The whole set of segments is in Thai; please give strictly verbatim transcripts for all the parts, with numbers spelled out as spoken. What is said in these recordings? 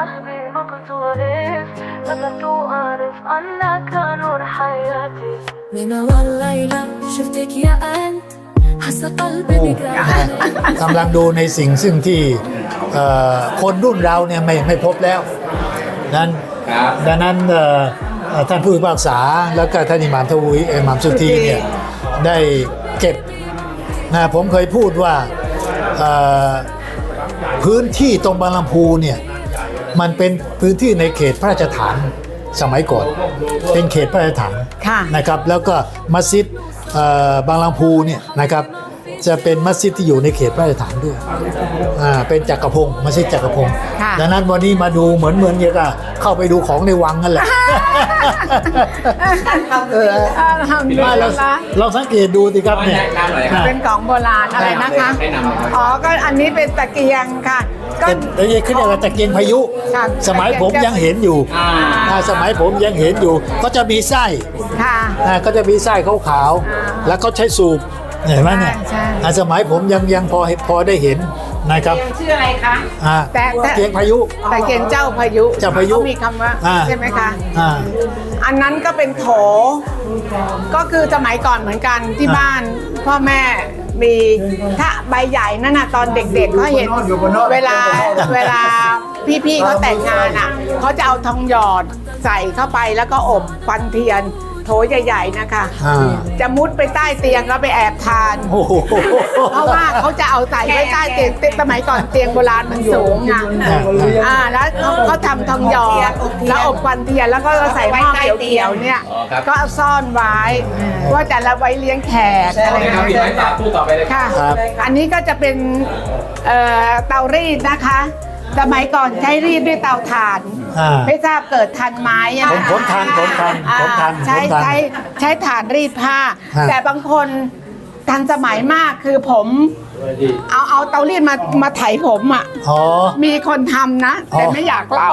صاحبي ما كنت واقف لكن أعرف أنك نور حياتي من أول ليلة شفتك يا أنت حس قلبي بك กำลังดูในสิ่งซึ่งที่คนรุ่นเราเนี่ยไม่ไม่พบแล้วนั้นดังนั้นท่านผู้พิพากษาแล้วก็ท่านอิหม่ามทวีอิหม่ามสุธีเนี่ยได้เก็บนะผมเคยพูดว่าพื้นที่ตรงบางลำพูเนี่ยมันเป็นพื้นที่ในเขตพระราชฐานสมัยก่อนเป็นเขตพระราชฐานนะครับแล้วก็มัสยิดบางลำพูเนี่ยนะครับจะเป็นมัสยิดที่อยู่ในเขตพระราชฐานด้วยอ่าเป็นจักรพงศ์มัสยิดจักรพงศ์ดังนั้นวันนี้มาดูเหมือนเหมือนอย่างกับเข้าไปดูของในวังนั่นแหละมาเราเราสังเกตดูสิครับเนี่ยเป็นของโบราณอะไรนะคะอ๋อก็อันนี้เป็นตะเกียงค่ะก็เดี๋ยวขึ้นเรียกว่าตะเกียงพายุสมัยผมยังเห็นอยู่สมัยผมยังเห็นอยู่ก็จะมีไส้ก็จะมีไส้ขาวๆแล้วเขาใช้สูบเห็นไหมเนี่ยสมัยผมยังยังพอพอได้เห็นนะครับชื่ออะไรคะแต่ตะเกียงพายุตะเกียงเจ้าพายุเจ้าพายุมีคำว่าใช่ไหมคะอันนั้นก็เป็นโถก็คือสมัยก่อนเหมือนกันที่บ้านพ่อแม่มีถ้าใบใหญ่นั่นน่ะตอนเด็กๆเขาเห็นเวลาเวลาพี่ๆเขาแต่งงานอ่ะเขาจะเอาทองหยอดใส่เข้าไปแล้วก็อบควันเทียนโถใหญ่ๆนะคะจะมุดไปใต้เตียงแล้วไปแอบทานเพราะว่าเขาจะเอาใส่ไว้ใต้เตียงสมัยก่อนเตียงโบราณมันสูงไงอ่าแล้วเขาทำทองหยอดแล้วอบควันเทียนแล้วก็ใส่หม้อเขียวๆเนี่ยก็ซ่อนไว้ว่าจะละไว้เลี้ยงแขกอะไรอย่างเงี้ยค่ะอันนี้ก็จะเป็นเตารีดนะคะสมัยก่อนใช้รีดด้วยเตาถ่านไม่ทราบเกิดทันไหมผมผมทันผมทันผมทันใช้ใช้ใช้ถ่านรีดผ้าแต่บางคนทันสมัยมากคือผมเอาเอาเตารีดมามาไถผมอ่ะมีคนทำนะแต่ไม่อยากเล่า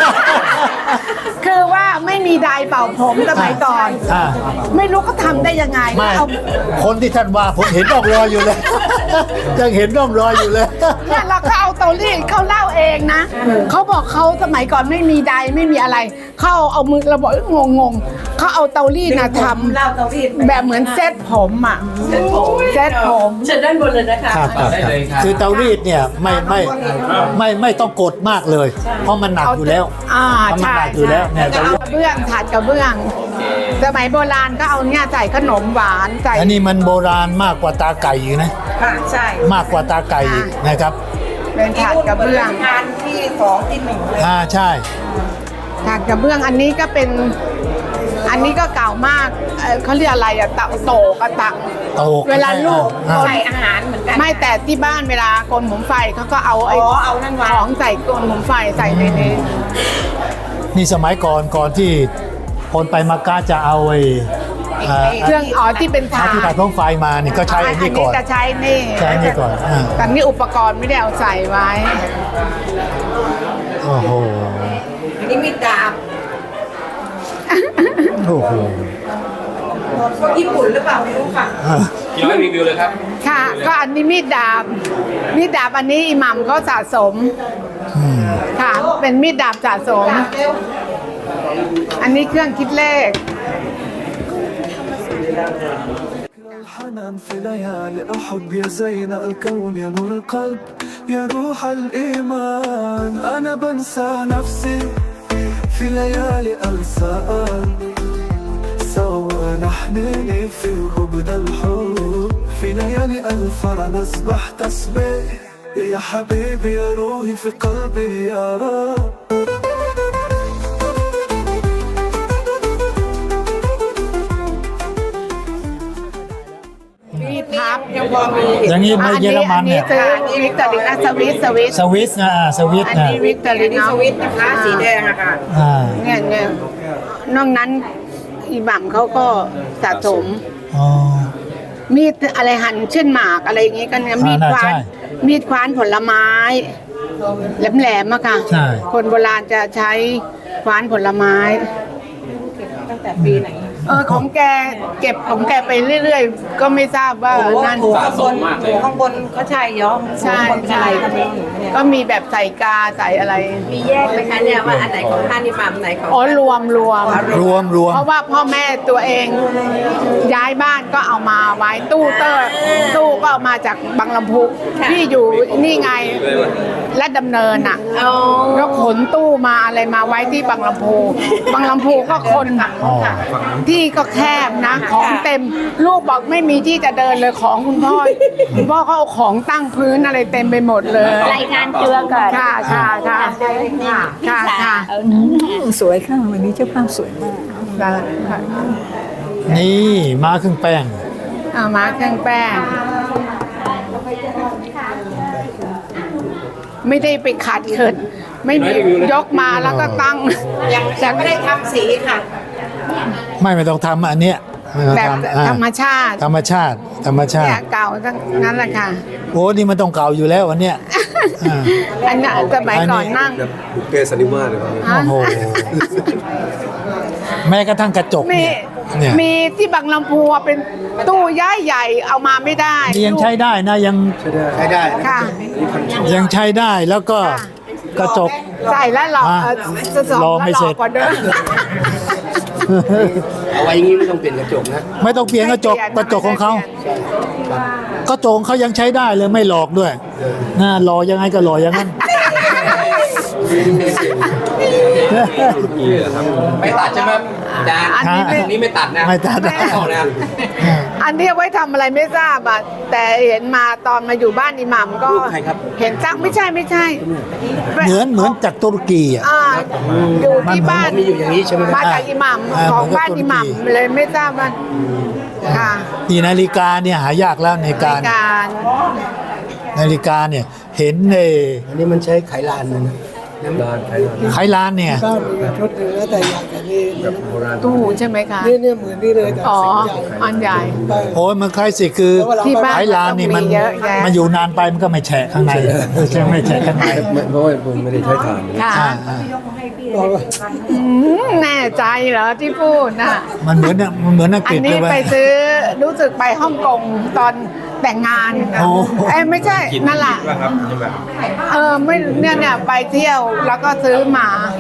คือว่าไม่มีไดร์เป่าผมสมัยก่อนไม่รู้เขาทำได้ยังไงเอาคนที่ท่านว่าผมเห็นร่องรอยอยู่เลยยังเห็นร่องรอยอยู่เลยเนี่ยเราเขาเอาเตารีดเขาเล่าเองนะเขาบอกเขาสมัยก่อนไม่มีไดร์ไม่มีอะไรเขาเอามือเราบอกงงงเขาเอาเตารีดนะทำแบบเหมือนเซ็ตผมอ่ะเซ็ตผมเซ็ตผมเชิญด้านบนเลยนะคะคือเตารีดเนี่ยไม่ไม่ไม่ไม่ต้องกดมากเลยเพราะมันหนักอยู่แล้วเพราะมันหนักอยู่แล้วเนี่ยกระเบื้องถาดกระเบื้องสมัยโบราณก็เอาเนี่ยใส่ขนมหวานใส่อันนี้มันโบราณมากกว่าตาไก่อีกนะค่ะใช่มากกว่าตาไก่อีกนะครับเป็นถาดกระเบื้องงานที่สองที่หนึ่งเลยอ่าใช่ถาดกระเบื้องอันนี้ก็เป็นอันนี้ก็เก่ามากเขาเรียกอะไรอะตะโตกระตักเวลาลูกใส่อาหารเหมือนกันไม่แต่ที่บ้านเวลาโกนผมไฟเขาก็เอาไอ้ของใส่โกนผมไฟใส่ในนี้นี่สมัยก่อนก่อนที่คนไปมักกะจะเอาไอ้เครื่องอ๋อที่เป็นถาดที่ตัดท้องไฟมานี่ก็ใช้อันนี้ก่อนจะใช้นี่ใช้นี่ก่อนแต่นี่อุปกรณ์ไม่ได้เอาใส่ไว้โอ้โหนี่มีดาบโอ้โหพวกญี่ปุ่นหรือเปล่าไม่รู้ค่ะกี่ร้อยรีวิวเลยครับค่ะก็อันนี้มีดดาบมีดดาบอันนี้อิหมัมเขาสะสมค่ะเป็นมีดดาบสะสมอันนี้เครื่องคิดเลข الحنان في ليالي أحب يا زين الكون يا نور القلب يا روح الإيمان أنا بنسى نفسي في ليالي أنسان سوا نحنني في غبن الحب في ليالي الفرح نسبح تسبيح يا حبيبي يا روحي في قلبي يا رب พับยังพอมีอย่างนี้มาเยอรมันเนี่ยอันนี้วิกตอรินาสวิสสวิสสวิสนะสวิสนะอันนี้วิกตอรินาสวิสนะคะสีแดงอะค่ะเนี่ยเนี่ยนอกนั้นอิหมัมเขาก็สะสมมีดอะไรหั่นเช่นหมากอะไรอย่างงี้กันมีดคว้านมีดคว้านผลไม้แหลมๆอะค่ะคนโบราณจะใช้คว้านผลไม้ตั้งแต่ปีไหนเออของแกเก็บของแกไปเรื่อยๆ ก็ไม่ทราบว่านั่นสะสมมากเลยข้างบนก็ใช่ย้อมใช่ใช่ก็มีแบบใส่กาใส่อะไรมีแยกไหมคะเนี่ยว่าอันไหนของท่านอิหมัมอันไหนของอ๋อรวมรวมรวมรวมเพราะว่าพ่อแม่ตัวเองย้ายบ้านก็เอามาไว้ตู้เตอร์ตู้ก็เอามาจากบางลำพูที่อยู่นี่ไงและดำเนินอ่ะอ๋อก็ขนตู้มาอะไรมาไว้ที่บางลำพูบางลำพูก็คนอ๋อที่ก็แคบนะของเต็มลูกบอกไม่มีที่จะเดินเลยของคุณพ่อคุณพ่อเขาเอาของตั้งพื้นอะไรเต็มไปหมดเลยรายงานตัวก่อนค่ะค่ะค่ะค่ะค่ะสวยค่ะวันนี้เจ้าภาพสวยมากค่ะนี่มาครึ่งแป้งเอามาเครื่องแป้ง ไม่ได้ไปขัดเขินไม่มียกมาแล้วก็ตั้งยังยังไม่ได้ทำสีค่ะไม่ไม่ต้องทำอันเนี้ยไม่ต้องแบบทำอ่าธรรมชาติธรรมชาติ ธรรมชาเนี่ติยเก่าทั้งนั้นแหละค่ะโอ้นี่มันต้องเก่าอยู่แล้ววันเนี้ยอ่าอันนั้นสมัยก่อนนั่งบุพเพสันนิวาสเลยครับโอ้โหแม้กระทั่งกระจกมีเนี่ยเนี่ยมีที่บางลำพูอะเป็นตู้ย้ายใหญ่เอามาไม่ได้นี่ยังใช้ได้นะยังใช้ได้ค่ะยังใช้ได้แล้วก็กระจกใส่แล้วหลอกอ่ะเอ่อจะสองรอไม่แล้วหลเสร็อจกกว่าเดิมเอาไว้อย่างนี้ไม่ต้องเปลี่ยนกระจกนะไม่ต้องเปลี่ยนกระจกกระจกของเขากระจกของเขายังใช้ได้เลยไม่หลอกด้วยน่าหล่อยังไงก็หล่ออย่างนั้นไม่ตัดใช่ไหมอาจารย์อันนี้ไม่ตรงนี้ไม่ตัดนะไม่ตัดเอานะอันนี้เอาไว้ทำอะไรไม่ทราบอ่ะแต่เห็นมาตอนมาอยู่บ้านอิหมัมก็รูปใครครับเห็นตั้งไม่ใช่ไม่ใช่เหมือนเหมือนจากตุรกีอ่ะอ่าอยู่ที่บ้านมีอยู่อย่างนี้ใช่ไหมมาจากอิหมัมอ่าของเหมือนกับบ้านตุรกีอิหมัมเลยไม่ทราบว่าค่ะนี่นาฬิกาเนี่ยหายากแล้วในในการการนาฬิกาเนี่ยเห็นในอันนี้มันใช้ไขลานเลยนะลานไขลานไขลานเนี่ยก็มีชุดหนึ่งแล้วแต่อยากจะนี่แบบโบราณตู้ใช่ไหมคะนี่เนี่ยเหมือนนี่เลยแต่อ๋อสีใหญ่อันใหญ่โอ้ยมันคล้ายสิคือที่บ้านไขลานนี่มันต้องมีเยอะแยะมันอยู่นานไปมันก็ไม่แฉะข้างในใช่ไหมไม่แฉะข้างในไม่เพราะว่าผมไม่ได้ใช้ถ่านค่ะอ่าอ่าอืมแน่ใจเหรอที่พูดน่ะมันเหมือนเนี่ยมันเหมือนอังอักฤนษนี้เลยไปวะซื้อรู้สึกไปฮ่องกงตอนแต่งงานโอ้เอ้ยไม่ใช่นั่นแหละเออไม่เนี่ยเนี่ยไปเที่ยวแล้วก็ซื้อมา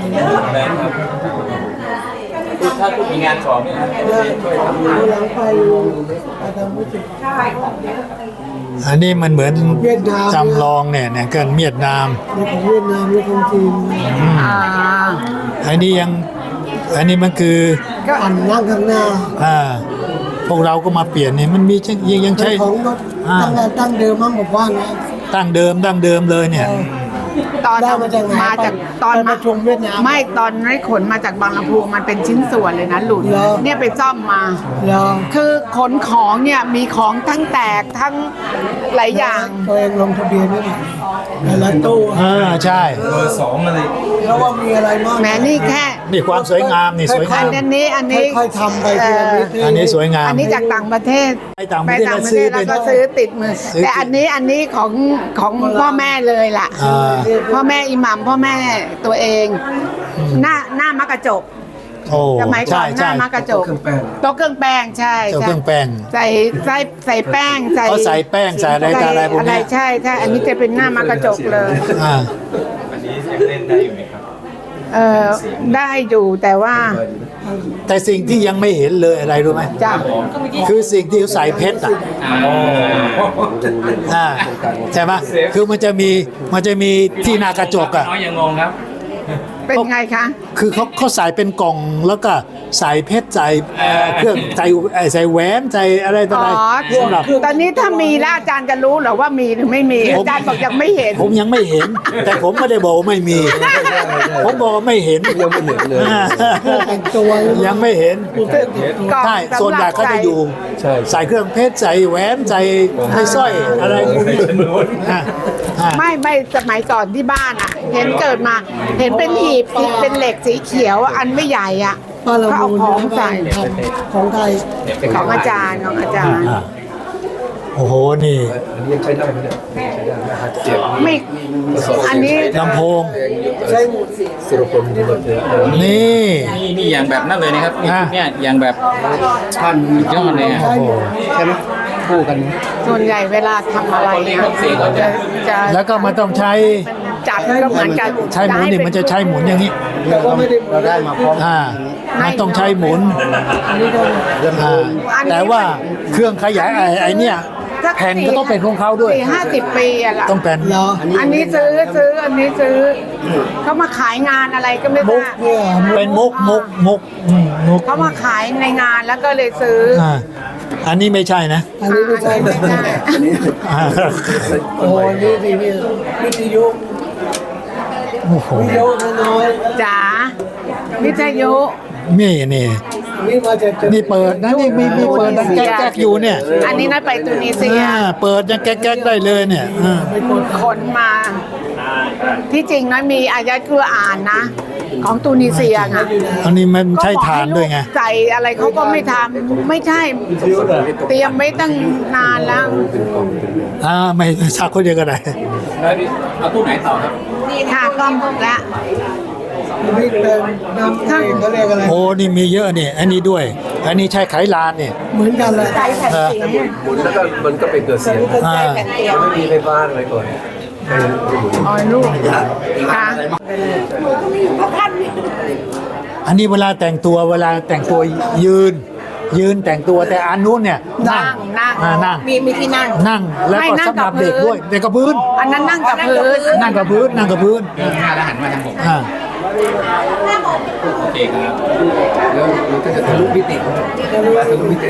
ถ้าคุณมีงานสอบเนี่ยหลังไปอาทำมุสิกอันนี้มันเหมือนเวียดนามจำลองเนี่ยเนี่ยเกินเวียดนามมีของเวียดนามมีของจีนอ่าอันนี้ยังอันนี้มันคือก็อันนั่งข้างหน้าอ่าพวกเราก็มาเปลี่ยนเนี่ยมันมีใช่ยังยังเป็ใช้นของก็อ่าตั้งแต่ตั้งเดิมมั้งผมว่านะตั้งเดิมตั้งเดิมเลยเนี่ยตอนได้มาจากไหนมาจากตอนไปประชุมเวียดนามไม่ตอนไม่ขนมาจากบางลำพูมันเป็นชิ้นส่วนเลยนะหลุดเหรอเนี่ยไปซ่อมมาแล้วคือขนของเนี่ยมีของทั้งแตกทั้งหลายอย่างตัวเองลงทะเบียนไม่ได้แต่ละตู้เออใช่เบอร์สองอะไรแล้วว่ามีอะไรบ้างแหมนี่แค่นี่ความสวยงามนี่สวยงามอันนี้อันนี้ค่อยๆทำไปทีละนิดอันนี้สวยงามอันนี้จากต่างประเทศไปต่างประเทศต่างประซื้เทอศเป็แล้วนก็ซื้อติดมือซื้อแต่อันนี้อันนี้ของของพ่อแม่เลยล่ะอ่าพ่อแม่อิหมัมพ่อแม่ตัวเอง หน้าหน้ามักกระจกโอ้สมัยก่ใช่อนหใช่น้ามักกระจกเครื่องแป้งโต๊ะเครื่องแป้งใช่เจ้าใช่เครื่องแป้งใส่ใส่ใส่แป้งใส่เขาใส่แป้งใส่อะไรต่ออะไรพวกอะไรเนี้ยใช่ใช่อันนี้จะเป็นหน้ามักกระจกเลยอ่าอันนี้ยังเล่นได้อยู่ไหมครับเออได้อยู่แต่ว่าแต่สิ่งที่ยังไม่เห็นเลยอะไรรู้ไหมจ้ะคือสิ่งที่เขาใส่เพชรอ่ะอ่าใช่ไหมคือมันจะมีมันจะมีที่หน้ากระจกอ่ะน้อยยังงงครับเป็นไงคะคือเขาเขาใส่เป็นกล่องแล้วก็ใส่เพชรใส่เอ่อเครื่องใส่เอ่อใส่แหวนใส่อะไรต่ออ๋อะอไรสำหรับตอนนี้ถ้ามีแล้วอาจารย์จะรู้เหรอว่ามีหรือไม่มีอาจารย์บอกยังไม่เห็นผมยังไม่เห็น แต่ผมไม่ได้บอกว่าไม่มี ผมบอกว่าไม่เห็นยังไม่เห็นเลยแต่งตัวยังไม่เห็นกล่องใช่สำหรับส่วนใหญ่เขาจะอยู่ใช่ใส่เครื่องเพชรใส่แหวนใส่ให้สร้อยอะไรพวกนี้อ่ะอ่ะไม่ไม่สมัยก่อนที่บ้านอ่ะ เห็นเกิดมา เห็นเป็นหีบเป็นเหล็กสีเขียวอันไม่ใหญ่อ่ะป้าละเขาเอามูลของใส่ของไทยของอาจารย์ของอาจารย์อ่ะโโอ้โหนี่อันนี้ยังใช้ได้ไหมเนี่ยใช้ได้นะฮะเสียงไม่อันนี้ลำโพงใช้สุรพลบุญเถื่อนนี่นี่นี่อย่างแบบนั้นเลยนะครับนี่อ่ะเนี่ยอย่างแบบท่านยอดเลยอ่ะโอ้โหใช่ไหมคู่กันไหมส่วนใหญ่เวลาทำอะไรอะจะจะแล้วก็มันต้องใช้จัดก็เหมือนกันใช้หมุนนี่มันจะใช้หมุนอย่างนี้เราก็ไม่ได้เราได้มาพร้อมอ่ามันต้องใช้หมุนเรื่องอ่าแต่ว่าเครื่องขยายไอ้ไอ้เนี่ยแผ่นก็ต้องเป็นของเขาด้วยสี่ห้าสิบปีอะล่ะต้องแผ่นอันนี้ซื้อซื้ออันนี้ซื้อเขามาขายงานอะไรก็ไม่ทราบเป็นมุกมุกมุกอืมมุกเขามาขายในงานแล้วก็เลยซื้ออ่าอันนี้ไม่ใช่นะอันนี้ไม่ใช่ไม่ใช่อ่าโอ้นี่นี่นี่วิทยุโอ้โหวิทยุน้อยจ๋าวิทยุนี่นี่ๆนี่มาจากนี่เปิดนะนี่มีมีเปิดดังแก๊กๆอยู่เนี่ยอันนี้น่าไปตูนิเซียอ่าเปิดยังแก๊กๆได้เลยเนี่ยอ่าขนมา ที่จริงนะมีอายะกุรอานนะ ของตูนิเซียนะอันนี้มันใช้ทานด้วยไงใส่อะไรเขาก็ไม่ทำไม่ใช่เตรียมไว้ตั้งนานแล้วอ่าไม่ชักคนเดียวก็ได้แล้วนี่เอาตู้ไหนต่อครับค่ะกล้องและนี่เป็นน้ำเขาเรียกอะไรโอ้นี่มีเยอะเนี่ยอันนี้ด้วย อันนี้ใช้ไขลานเนี่ยเหมือนกันเลยใช้แผ่นเสียงหมุนแล้วก็มันก็เป็นเกิดเสียงอ่าไม่มีไฟฟ้าอะไรก่อนเออหมุนอ๋อลูกค่ะอันนี้เวลาแต่งตัวเวลาแต่งตัวยืน ยืนแต่งตัวแต่อันนู้นเนี่ยนั่งนั่งอ่านั่งมีมีที่นั่งนั่งแล้วไม่ก็นั่งสำหรับกับพื้นเด็กด้วยเด็กกับพื้นอันนั้นนั่งกับพื้นนั่งกับพื้นนั่งกับพื้นเริ่มหน้าแล้วหันมาทางผมอ่าโอเคครับแล้วมันก็จะทะลุมิติทะลุมิติ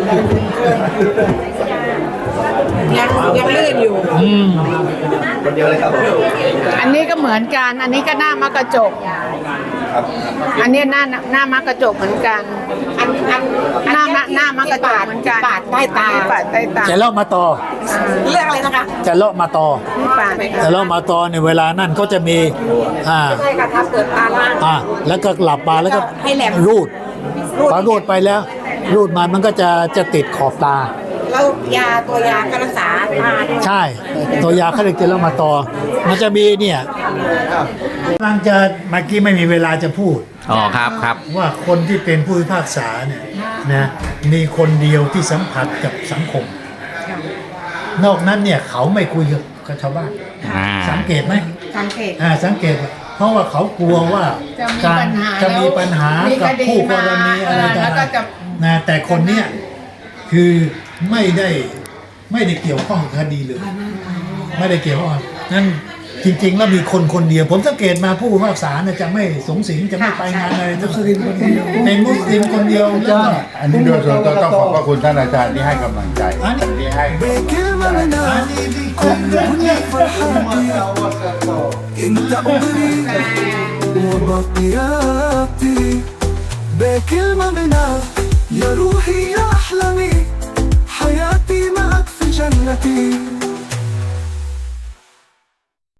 ยังยังลื่นอยู่อืมคนเดียวเลยครับอันนี้ก็เหมือนกัน อันนี้ก็หน้ามักกระจก อันนี้หน้าหน้ามักกระจกเหมือนกันอันอันหน้าหน้ามักกระจกเหมือนกันปาดใต้ตาปาดใต้ตาจะเลาะมาต่อเรื่องอะไรนะคะจะเลาะมาต่อนี่ปาดจะเลาะมาต่อในยเวลานั่นก็จะมีอ่าใช่ค่ะทำเปิดตาล่างอ่าแล้วก็หลับมาแล้วก็ให้แหลมรูดพอรูดไปแล้ว รูดมามันก็จะจะติดขอบตาแล้วยาตัวยาก็รักษาตาด้วยใช่ ตัวยาเขาเรียกเจลามาตอ มันจะมีเนี่ยกำลังจะเมื่อกี้ไม่มีเวลาจะพูดอ๋อครับครับว่าคนที่เป็นผู้พิพากษาเนี่ยนะมีคนเดียวที่สัมผัสกับสังคม นอกนั้นเนี่ยเขาไม่คุยกับชาวบ้านอ่าสังเกตไหมสังเกตอ่าสังเกต เพราะว่าเขากลัวว่าจะมีการปัญหาจะมีปัญหามีกับคดีผู้กรณีอะไรมาต่าแล้วก็งจะๆนะแต่คนเนี้ยคือไม่ได้ไม่ได้เกี่ยวข้องกับคดีเลย ไม่ได้เกี่ยวข้องนั่นจริง ๆ แล้วมีคนคนเดียว ผมสังเกตมาผู้พิพากษาเนี่ยจะไม่สงสิงจะไม่ไปงานอะไรทั้งสิ้นเป็นมุสลิมคนเดียวแล้วก็อันนี้โดยส่วนตัวต้องขอบพระคุณท่านอาจารย์ที่ให้กำลังใจอันนี้ที่ให้ بكلمة منها อันนี้ที่ كل الدنيا فرحاتي انت عمري وبقياتي بكلمة منها يا روحي يا أحلامي حياتي معك في جنتي